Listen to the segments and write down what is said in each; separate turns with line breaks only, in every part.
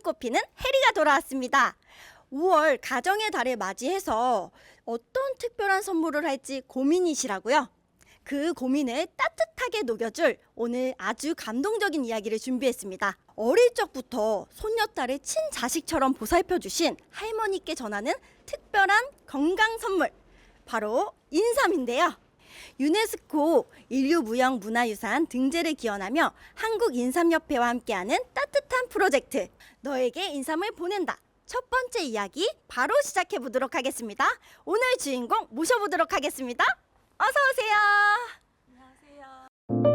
꼽히는 해리가 돌아왔습니다. 5월 가정의 달을 맞이해서 어떤 특별한 선물을 할지 고민이시라고요? 그 고민을 따뜻하게 녹여줄 오늘 아주 감동적인 이야기를 준비했습니다. 어릴 적부터 손녀딸을 친자식처럼 보살펴주신 할머니께 전하는 특별한 건강 선물, 바로 인삼인데요. 유네스코 인류무형문화유산 등재를 기원하며 한국인삼협회와 함께하는 따뜻한 프로젝트, 너에게 인삼을 보낸다. 첫 번째 이야기 바로 시작해 보도록 하겠습니다. 오늘 주인공 모셔보도록 하겠습니다. 어서 오세요.
안녕하세요.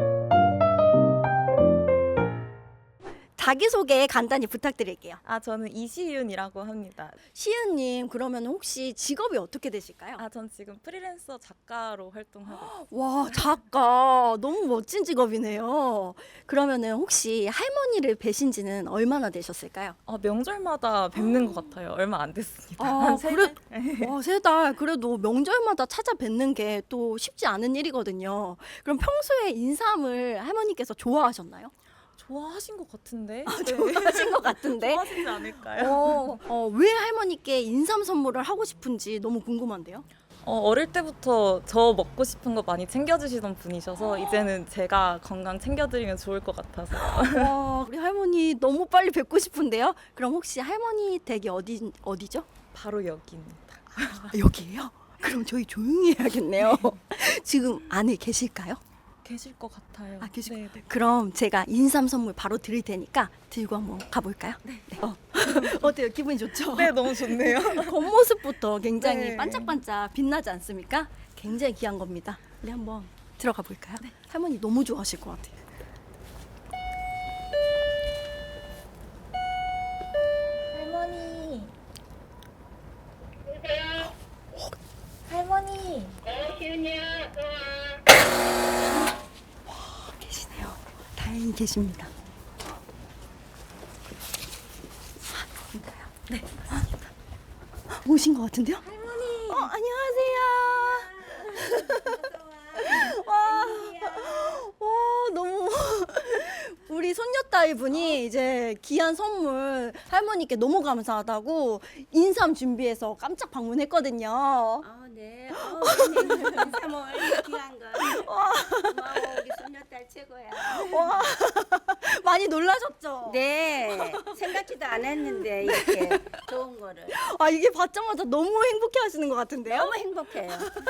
자기소개 간단히 부탁드릴게요.
저는 이시윤이라고 합니다.
시은님, 그러면 혹시 직업이 어떻게 되실까요?
전 지금 프리랜서 작가로 활동하고 있어요.
와, 작가. 너무 멋진 직업이네요. 그러면은 혹시 할머니를 뵈신 지는 얼마나 되셨을까요?
명절마다 뵙는 것 같아요. 얼마 안 됐습니다.
아,
한 3달?
와, 3달. 그래도 명절마다 찾아뵙는 게 또 쉽지 않은 일이거든요. 그럼 평소에 인삼을 할머니께서 좋아하셨나요?
좋아하신 것 같은데?
좋아하신 것 같은데.
좋아하시지 않을까요?
왜 할머니께 인삼 선물을 하고 싶은지 너무 궁금한데요.
어릴 때부터 저 먹고 싶은 거 많이 챙겨주시던 분이셔서 이제는 제가 건강 챙겨드리면 좋을 것 같아서.
와, 우리 할머니 너무 빨리 뵙고 싶은데요. 그럼 혹시 할머니 댁이 어디죠?
바로 여기입니다.
여기예요? 그럼 저희 조용히 해야겠네요. 지금 안에 계실까요?
계실 것 같아요.
계시고.
네.
그럼 제가 인삼 선물 바로 드릴 테니까 들고 한번 가볼까요? 네. 어때요? 기분이 좋죠?
네, 너무 좋네요.
겉모습부터 굉장히
네.
반짝반짝 빛나지 않습니까? 굉장히 귀한 겁니다. 우리 한번 들어가 볼까요? 할머니 너무 좋아하실 것 같아요.
할머니. 할머니.
계시네요. 다행히 계십니다. 네, 맞습니다. 오신 것 같은데요?
할머니.
안녕하세요. 와, 너무 우리 손녀딸 분이 이제 귀한 선물 할머니께 너무 감사하다고 인삼 준비해서 깜짝 방문했거든요.
네. 인삼을 귀한 거. 고마워, 우리 손녀딸 최고야.
와, 많이 놀라셨죠?
네. 생각지도 않았는데 이렇게 좋은 거를.
이게 받자마자 너무 행복해 하시는 것 같은데요?
너무 행복해요.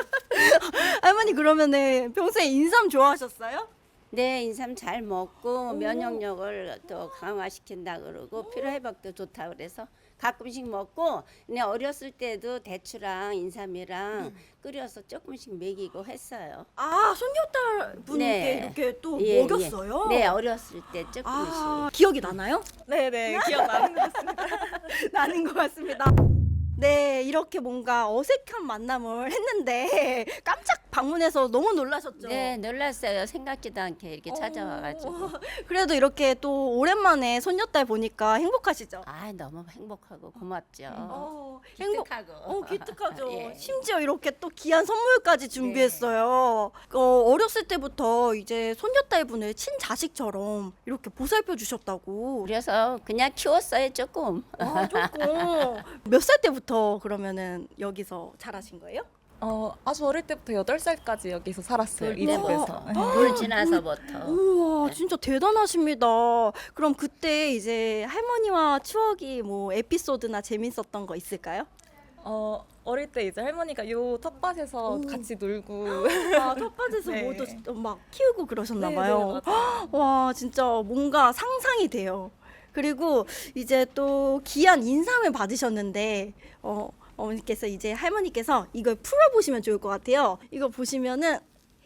할머니, 그러면은 평소에 인삼 좋아하셨어요?
네, 인삼 잘 먹고 면역력을 또 강화시킨다 그러고 피로 회복도 좋다 그래서 가끔씩 먹고, 근데 어렸을 때도 대추랑 인삼이랑 끓여서 조금씩 먹이고 했어요.
손녀딸 분께
네.
이렇게 또
예,
먹였어요?
네, 어렸을 때 조금씩.
기억이 나나요?
네네, 기억나는 것 같습니다.
나는 것 같습니다. 네, 이렇게 뭔가 어색한 만남을 했는데 깜짝 방문해서 너무 놀라셨죠?
네, 놀랐어요. 생각지도 않게 이렇게 찾아와가지고.
그래도 이렇게 또 오랜만에 손녀딸 보니까 행복하시죠?
너무 행복하고 고맙죠.
행복. 기특하죠.
예.
심지어 이렇게 또 귀한 선물까지 준비했어요. 어렸을 때부터 이제 손녀딸 분을 친자식처럼 이렇게 보살펴 주셨다고.
그래서 그냥 키웠어요, 조금.
조금. 몇 살 때부터 그러면은 여기서 자라신 거예요?
아주 어릴 때부터 8살까지 여기서 살았어요. 이
네,
집에서.
물 지나서부터.
우와, 진짜 대단하십니다. 그럼 그때 이제 할머니와 추억이 뭐 에피소드나 재밌었던 거 있을까요?
어릴 때 이제 할머니가 요 텃밭에서 같이 놀고.
텃밭에서
네.
뭐도 막 키우고 그러셨나
네,
봐요.
네, 맞아요.
와, 진짜 뭔가 상상이 돼요. 그리고 이제 또 귀한 인삼을 받으셨는데 어머니께서 이제 할머니께서 이걸 풀어보시면 좋을 것 같아요. 이거 보시면은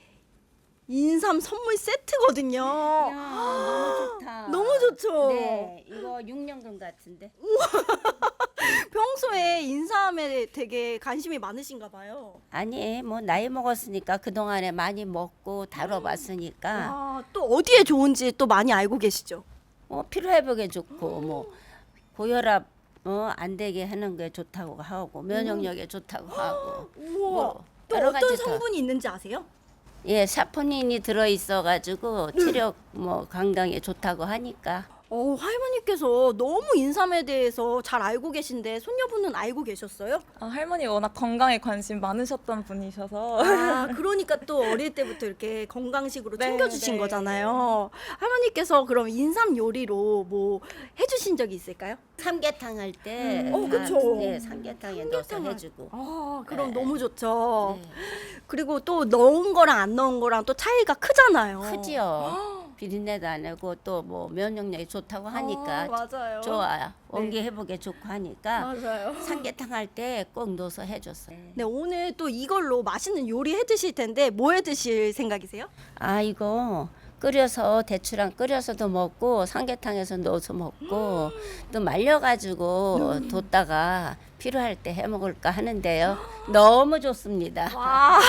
인삼 선물 세트거든요.
너무 좋다.
너무 좋죠.
네, 이거 6년근 같은데.
평소에 인삼에 되게 관심이 많으신가 봐요.
아니, 뭐 나이 먹었으니까 그 동안에 많이 먹고 다뤄봤으니까
또 어디에 좋은지 또 많이 알고 계시죠?
피로 회복에 좋고 뭐 고혈압 안 되게 하는 게 좋다고 하고 면역력에 좋다고 하고.
우와.
뭐
또
여러
어떤
가지 더.
성분이 있는지 아세요?
예, 사포닌이 들어 있어 가지고 체력 뭐 건강에 좋다고 하니까.
할머니께서 너무 인삼에 대해서 잘 알고 계신데 손녀분은 알고 계셨어요?
할머니 워낙 건강에 관심 많으셨던 분이셔서
그러니까 또 어릴 때부터 이렇게 건강식으로
네,
챙겨주신
네.
거잖아요. 할머니께서 그럼 인삼 요리로 뭐 해주신 적이 있을까요?
삼계탕 할 때,
그쵸.
네, 삼계탕에 넣어서
삼계탕을-
해주고.
그럼
네.
너무 좋죠.
네.
그리고 또 넣은 거랑 안 넣은 거랑 또 차이가 크잖아요.
크지요. 비린내도 안 나고 또 뭐 면역력이 좋다고 하니까
맞아요.
좋아요. 원기 회복에 좋고 하니까
맞아요.
삼계탕 할 때 꼭 넣어서 해줬어요.
네, 오늘 또 이걸로 맛있는 요리 해 드실 텐데 뭐 해 드실 생각이세요?
아 이거 끓여서 대추랑 끓여서도 먹고 삼계탕에서 넣어서 먹고 또 말려가지고 뒀다가 필요할 때 해 먹을까 하는데요. 너무 좋습니다.
와,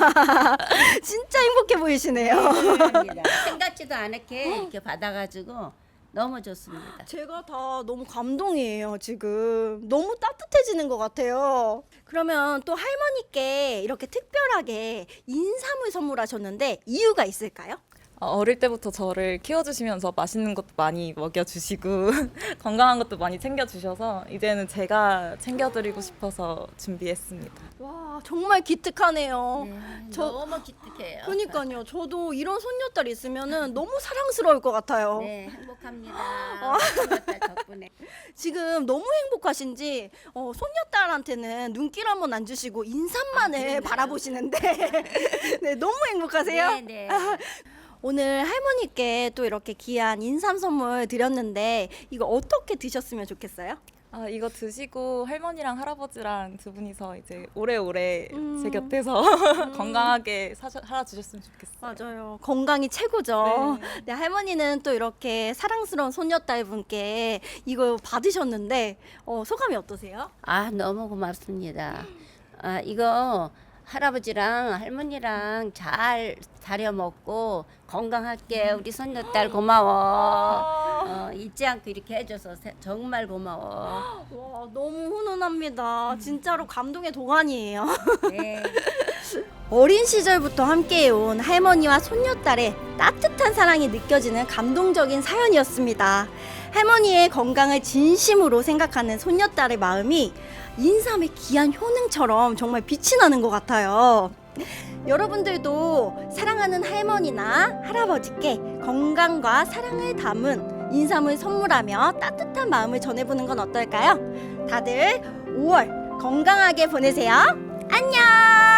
진짜 행복해 보이시네요.
생각지도 않게 이렇게 받아가지고 너무 좋습니다.
제가 다 너무 감동이에요, 지금. 너무 따뜻해지는 것 같아요. 그러면 또 할머니께 이렇게 특별하게 인삼을 선물하셨는데 이유가 있을까요?
어릴 때부터 저를 키워주시면서 맛있는 것도 많이 먹여주시고 건강한 것도 많이 챙겨주셔서 이제는 제가 챙겨드리고 싶어서 준비했습니다.
와, 정말 기특하네요. 저-
너무 기특해요.
그러니까요. 저도 이런 손녀딸 있으면은 너무 사랑스러울 것 같아요.
네, 행복합니다. 손녀딸 덕분에.
지금 너무 행복하신지 손녀딸한테는 눈길 한번 안 주시고 인삼만을
그러나요?
바라보시는데 네, 너무 행복하세요.
네, 네.
오늘 할머니께 또 이렇게 귀한 인삼 선물 드렸는데 이거 어떻게 드셨으면 좋겠어요?
이거 드시고 할머니랑 할아버지랑 두 분이서 이제 오래오래 제
음.
곁에서 건강하게 살아주셨으면 좋겠어요.
맞아요. 건강이 최고죠.
네.
네, 할머니는 또 이렇게 사랑스러운 손녀딸 분께 이거 받으셨는데 소감이 어떠세요?
아, 너무 고맙습니다. 아, 이거 할아버지랑 할머니랑 잘 다려 먹고 건강할게. 우리 손녀딸 고마워. 잊지 않고 이렇게 해줘서 정말 고마워.
와, 너무 훈훈합니다. 진짜로 감동의 도가니예요.
네.
어린 시절부터 함께해온 할머니와 손녀딸의 따뜻한 사랑이 느껴지는 감동적인 사연이었습니다. 할머니의 건강을 진심으로 생각하는 손녀딸의 마음이 인삼의 귀한 효능처럼 정말 빛이 나는 것 같아요. 여러분들도 사랑하는 할머니나 할아버지께 건강과 사랑을 담은 인삼을 선물하며 따뜻한 마음을 전해보는 건 어떨까요? 다들 5월 건강하게 보내세요. 안녕!